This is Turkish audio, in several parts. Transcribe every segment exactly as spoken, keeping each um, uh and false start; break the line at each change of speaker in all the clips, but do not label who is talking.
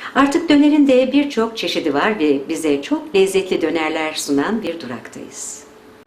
Artık dönerin de birçok çeşidi var ve bize çok lezzetli dönerler sunan bir duraktayız.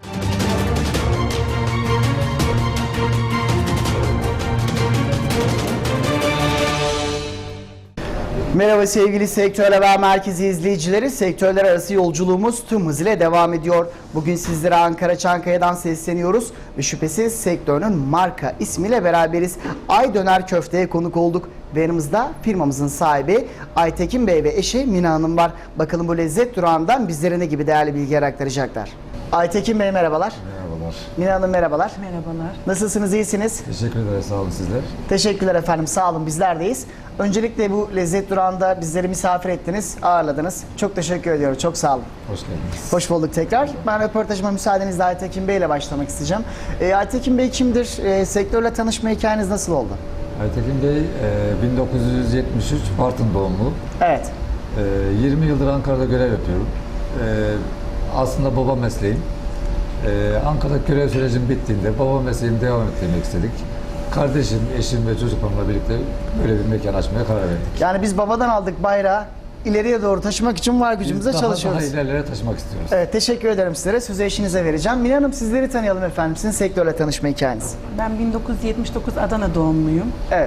Merhaba sevgili Sektör Haber Merkezi izleyicileri. Sektörler arası yolculuğumuz tüm hızıyla devam ediyor. Bugün sizlere Ankara Çankaya'dan sesleniyoruz ve şüphesiz sektörün marka ismiyle beraberiz. Ay Döner Köfte'ye konuk olduk ve yanımızda firmamızın sahibi Aytekin Bey ve eşi Mina Hanım var. Bakalım bu lezzet durağından bizlere ne gibi değerli bilgiler aktaracaklar. Aytekin Bey merhabalar.
Merhabalar.
Mina Hanım merhabalar.
Merhabalar.
Nasılsınız, iyisiniz?
Teşekkür ederiz. Sağ olun sizler.
Teşekkürler efendim, sağ olun, bizler deyiz. Öncelikle bu lezzet durağında bizleri misafir ettiniz, ağırladınız. Çok teşekkür ediyorum, çok sağ olun.
Hoş geldiniz.
Hoş bulduk tekrar. Ben röportajıma müsaadenizle Aytekin Bey ile başlamak isteyeceğim. E, Aytekin Bey kimdir? E, sektörle tanışma hikayeniz nasıl oldu?
Aytekin Bey e, bin dokuz yüz yetmiş üç Bartın doğumlu.
Evet.
E, yirmi yıldır Ankara'da görev yapıyorum. E, aslında baba mesleğim. E, Ankara'da görev sürecim bittiğinde baba mesleğimi devam ettirmek istedik. Kardeşim, eşim ve çocuklarımla birlikte böyle bir mekan açmaya karar verdik.
Yani biz babadan aldık bayrağı, ileriye doğru taşımak için var
Biz
gücümüzle
daha,
çalışıyoruz.
daha ilerlere taşımak istiyoruz.
Evet, teşekkür ederim sizlere. Sözü eşinize vereceğim. Mina Hanım, sizleri tanıyalım efendim. Sizin sektörle tanışma hikayeniz.
Ben bin dokuz yüz yetmiş dokuz Adana doğumluyum.
Evet.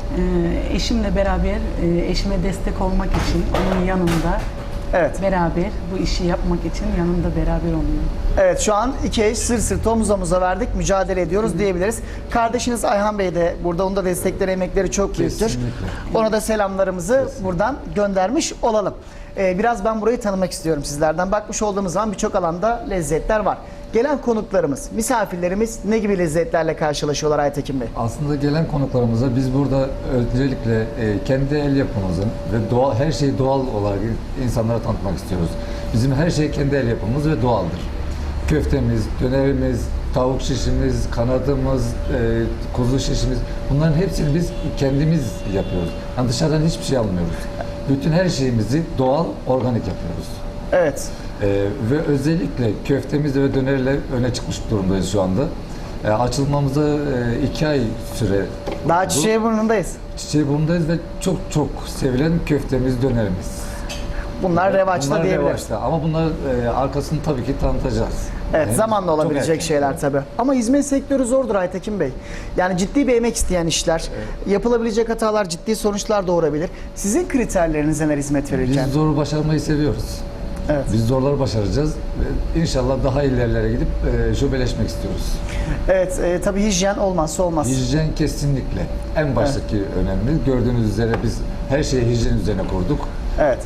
Ee, eşimle beraber, e, eşime destek olmak için onun yanında
Evet.
beraber bu işi yapmak için yanında beraber oluyorum.
Evet, şu an iki eş sırt sırta omuz omuza verdik, mücadele ediyoruz Hı. diyebiliriz. Kardeşiniz Ayhan Bey de burada, onun da destekleri, emekleri çok büyüktür.
Kesinlikle.
Ona da selamlarımızı
Kesinlikle.
buradan göndermiş olalım. Ee, biraz ben burayı tanımak istiyorum sizlerden. Bakmış olduğumuz zaman birçok alanda lezzetler var. Gelen konuklarımız, misafirlerimiz ne gibi lezzetlerle karşılaşıyorlar Aytekin Bey?
Aslında gelen konuklarımıza biz burada öncelikle e, kendi el yapımızın ve doğal, her şeyi doğal olarak insanlara tanıtmak istiyoruz. Bizim her şey kendi el yapımız ve doğaldır. Köftemiz, dönerimiz, tavuk şişimiz, kanadımız, e, kuzu şişimiz, bunların hepsini biz kendimiz yapıyoruz. Yani dışarıdan hiçbir şey almıyoruz. Bütün her şeyimizi doğal, organik yapıyoruz.
Evet.
Ee, ve özellikle köftemizle ve dönerle öne çıkmış durumdayız şu anda. Ee, açılmamıza e, iki ay süre
Daha
oldu.
çiçeği burnundayız.
Çiçeğiburn'dayız ve çok çok sevilen köftemiz, dönerimiz.
Bunlar revaçta
Bunlar
diyebiliriz.
revaçta ama bunlar e, arkasını tabii ki tanıtacağız.
Evet,
Yani
zamanla
çok
olabilecek
erken.
şeyler tabii. Ama hizmet sektörü zordur Aytekin Bey. Yani ciddi bir emek isteyen işler, yapılabilecek hatalar ciddi sonuçlar doğurabilir. Sizin kriterleriniz neler hizmet verirken?
Biz zoru başarmayı seviyoruz.
Evet.
Biz zorları başaracağız ve inşallah daha ilerlere gidip e, şubeleşmek istiyoruz.
Evet, e, tabii hijyen olmazsa olmaz.
Hijyen kesinlikle en baştaki önemli. Gördüğünüz üzere biz her şeyi hijyen üzerine kurduk.
Evet.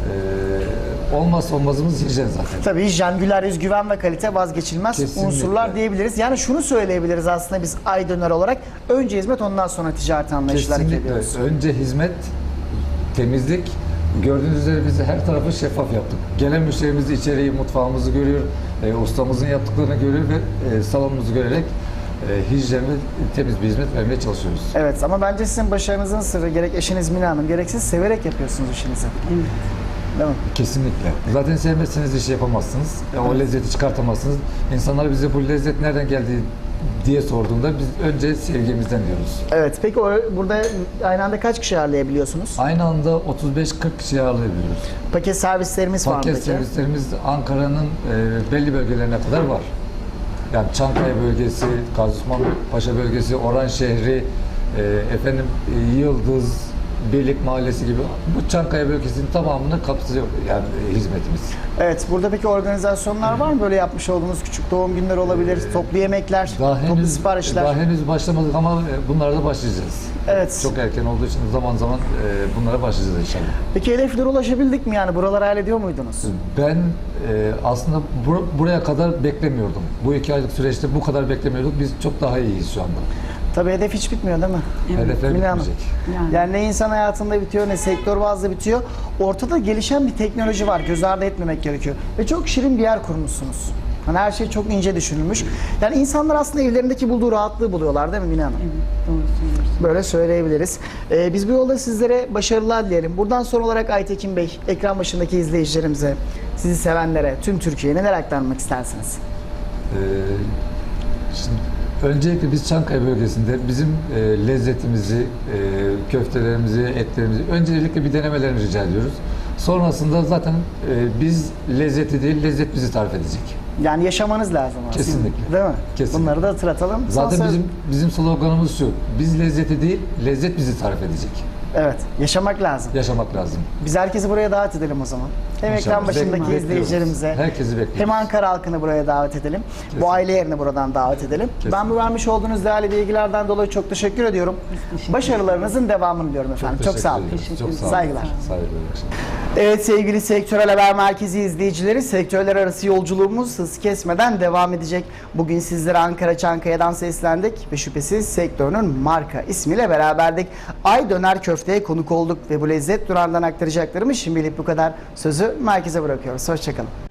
Ee, olmazsa olmazımız hijyen zaten.
Tabii hijyen, güler yüz, güven ve kalite vazgeçilmez
Kesinlikle.
unsurlar diyebiliriz. Yani şunu söyleyebiliriz aslında biz Ay Döner olarak. Önce hizmet, ondan sonra ticaret anlayışıyla hareket
Kesinlikle.
ediyoruz.
Önce hizmet, temizlik. Gördüğünüz üzere biz her tarafı şeffaf yaptık. Gelen müşterimiz içeriği, mutfağımızı görüyor, e, ustamızın yaptıklarını görüyor ve e, salonumuzu görerek e, hijyen ve temiz bir hizmet vermeye çalışıyoruz.
Evet, ama bence sizin başarınızın sırrı gerek eşiniz Mina Hanım, gerek siz severek yapıyorsunuz işinizi.
Evet.
Değil mi?
Kesinlikle. Zaten sevmezseniz işi yapamazsınız. E, o lezzeti çıkartamazsınız. İnsanlar bize bu lezzet nereden geldi diye sorduğunda biz önce sevgimizden diyoruz.
Evet, peki o, burada aynı anda kaç kişi ağırlayabiliyorsunuz?
Aynı anda otuz beş kırk kişi ağırlayabiliyoruz.
Paket servislerimiz var mı
Paket
peki?
servislerimiz Ankara'nın e, belli bölgelerine kadar var. Yani Çankaya bölgesi, Gazi Osman Paşa bölgesi, Oran şehri, e, efendim e, Yıldız, Beylik Mahallesi gibi bu Çankaya bölgesinin tamamını kapsıyor yani e, hizmetimiz.
Evet, burada peki organizasyonlar var mı? Böyle yapmış olduğunuz küçük doğum günleri olabilir, toplu yemekler,
Daha
toplu
henüz
siparişler.
daha henüz başlamadık ama e, bunlara da başlayacağız.
Evet.
Çok erken olduğu için zaman zaman e, bunlara başlayacağız inşallah.
Peki hedeflere ulaşabildik mi yani? Buraları hayal ediyor muydunuz?
Ben e, aslında bur- buraya kadar beklemiyordum. Bu iki aylık süreçte bu kadar beklemiyorduk. Biz çok daha iyiyiz şu anda.
Tabii hedef hiç bitmiyor değil mi?
Evet.
Hedefler
Mina Hanım.
bitmeyecek.
Yani.
Yani ne insan hayatında bitiyor, ne sektör bazlı bitiyor. Ortada gelişen bir teknoloji var. Göz ardı etmemek gerekiyor. Ve çok şirin bir yer kurmuşsunuz. Hani her şey çok ince düşünülmüş. Yani insanlar aslında evlerindeki bulduğu rahatlığı buluyorlar değil mi Mina Hanım?
Evet, doğru söylüyorsun.
Böyle söyleyebiliriz. Ee, biz bu yolda sizlere başarılar dileyelim. Buradan son olarak Aytekin Bey, ekran başındaki izleyicilerimize, sizi sevenlere, tüm Türkiye'ye neler aktarmak istersiniz?
Ee, şimdi Öncelikle biz Çankaya bölgesinde bizim e, lezzetimizi, e, köftelerimizi, etlerimizi öncelikle bir denemelerini rica ediyoruz. Sonrasında zaten e, biz lezzeti değil, lezzet bizi tarif edecek.
Yani yaşamanız lazım aslında.
Kesinlikle.
Değil mi?
Kesinlikle.
Bunları da hatırlatalım. Son
Zaten
söz-
bizim bizim sloganımız şu: biz lezzeti değil, lezzet bizi tarif edecek.
Evet, yaşamak lazım.
Yaşamak lazım.
Biz herkesi buraya davet edelim o zaman. Hem ekran
İnşallah.
başındaki
Bekliyoruz.
izleyicilerimize,
Herkesi bekliyoruz.
hem Ankara halkını buraya davet edelim.
Kesin.
Bu aile yerini buradan davet edelim.
Kesin.
Ben bu vermiş olduğunuz değerli bilgilerden dolayı çok teşekkür ediyorum.
teşekkür
Başarılarınızın devamını diliyorum efendim. Çok,
teşekkür
sağ olun.
ederiz. Çok sağ olun.
Saygılar.
Saygılar. iyi akşamlar.
Evet sevgili Sektörel Haber Merkezi izleyicileri, sektörler arası yolculuğumuz hız kesmeden devam edecek. Bugün sizlere Ankara Çankaya'dan seslendik ve şüphesiz sektörünün marka ismiyle beraberdik. Ay Döner Köfte'ye konuk olduk ve bu lezzet durağından aktaracaklarımız şimdilik bu kadar. Sözü merkeze bırakıyoruz. Hoşçakalın.